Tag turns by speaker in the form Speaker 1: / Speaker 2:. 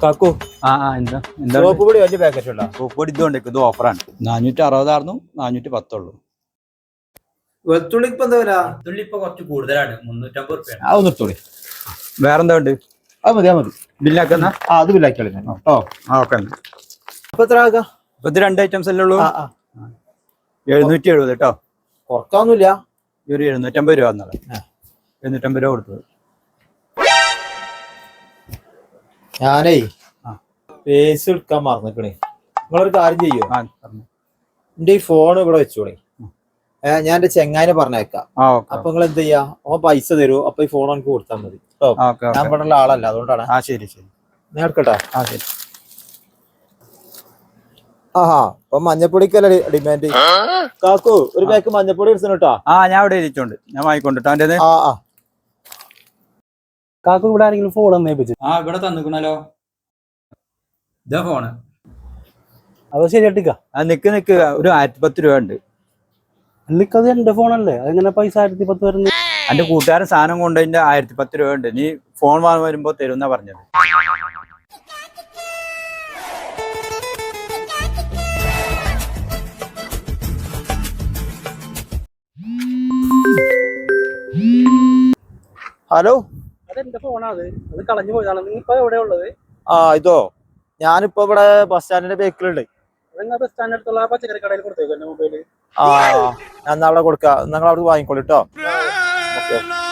Speaker 1: കാക്കു
Speaker 2: എന്താ
Speaker 1: സോപ്പ് പൊടി വലിയ പാക്കറ്റ് ഉണ്ടോ?
Speaker 2: സോപ്പ് പൊടി ഇതുകൊണ്ട് ഇത് ഓഫറാണ്. 460 410
Speaker 1: വെളുത്തുള്ളി ഇപ്പൊ എന്താ വില?
Speaker 2: വെളുത്തുള്ളി ഇപ്പൊ കുറച്ച് കൂടുതലാണ്, 350 റുപ്യ.
Speaker 1: അത് നിർത്തോളി.
Speaker 2: വേറെന്താ ഉണ്ട്?
Speaker 1: അത് മതി, അത് മതി.
Speaker 2: ബില്ലാക്കുന്ന
Speaker 1: അത് ബില്ലാക്കിയാളി കേട്ടോ.
Speaker 2: ഓക്കെ.
Speaker 1: അപ്പൊ എത്ര ആകാ?
Speaker 2: ഇപ്പൊ ഇത് 2 ഐറ്റംസ് അല്ലേ ഉള്ളൂ. 770 കേട്ടോ.
Speaker 1: കുറക്കാന്നൂല്ല.
Speaker 2: ഒരു 750 രൂപ എന്നുള്ളത്. 750 രൂപ കൊടുത്തത്.
Speaker 1: ഞാനേ പേസ് എടുക്കാൻ മറന്നിക്കണേ. നിങ്ങളൊരു കാര്യം ചെയ്യോ? എന്റെ ഈ ഫോൺ ഇവിടെ വെച്ചോളേ. ഞാൻ എന്റെ ചെങ്ങായിനെ പറഞ്ഞേക്കാം. അപ്പൊ നിങ്ങൾ എന്ത് ചെയ്യാ? ഓൻ പൈസ തരൂ. അപ്പൊ ഈ ഫോൺ എനിക്ക് കൊടുത്താൽ മതി. ഞാൻ ഇവിടെ ഉള്ള ആളല്ല, അതുകൊണ്ടാണ്.
Speaker 2: ശരി ശരി,
Speaker 1: ഞാൻ എടുക്കട്ടെ.
Speaker 2: ശരി.
Speaker 1: അപ്പൊ മഞ്ഞപ്പൊടിക്കല്ലേ ഡിമാൻഡ്? കാക്കു ഒരു പാക്ക് മഞ്ഞപ്പൊടി എടുത്തു കേട്ടോ.
Speaker 2: ഞാൻ ഇവിടെ ഇരിച്ചോണ്ട് ഞാൻ വാങ്ങിക്കൊണ്ടിട്ടോ. എന്റെ
Speaker 3: കാക്കു ഇവിടെ ആരെങ്കിലും ഫോൺ തന്നേപ്പിച്ചു?
Speaker 2: ഇവിടെ തന്നിക്കണല്ലോ. ഇതാ ഫോണ്.
Speaker 3: അത് ശരിയാട്ടിക്ക.
Speaker 2: നിക്ക് ഒരു 1010 രൂപ ഉണ്ട്.
Speaker 3: അല്ലിക്കത് എന്റെ ഫോണല്ലേ, അതെങ്ങനെ പൈസ 1010 വരുന്നത്?
Speaker 2: എന്റെ കൂട്ടുകാരൻ സാധനം കൊണ്ടതിന്റെ 1010 രൂപ ഉണ്ട്. നീ ഫോൺ വാങ്ങാൻ വരുമ്പോ തരുന്ന പറഞ്ഞത്.
Speaker 1: ഹലോ,
Speaker 3: അതെന്റെ ഫോണാണ്. അത് കളഞ്ഞു പോയതാണ്. നീ ഇപ്പൊ എവിടെയാ ഉള്ളത്?
Speaker 1: ഇതോ ഞാനിപ്പോ ഇവിടെ ബസ് സ്റ്റാൻഡിന്റെ ബേക്കിലുണ്ട്.
Speaker 3: ബസ് സ്റ്റാൻഡ് അടുത്തുള്ള പച്ചക്കറി കടയിൽ കൊടുത്തേക്കും എന്റെ മൊബൈല്.
Speaker 1: ഞാൻ അവിടെ കൊടുക്കാം. നിങ്ങൾ അവിടെ വാങ്ങിക്കോളൂ കേട്ടോ. ഓക്കെ.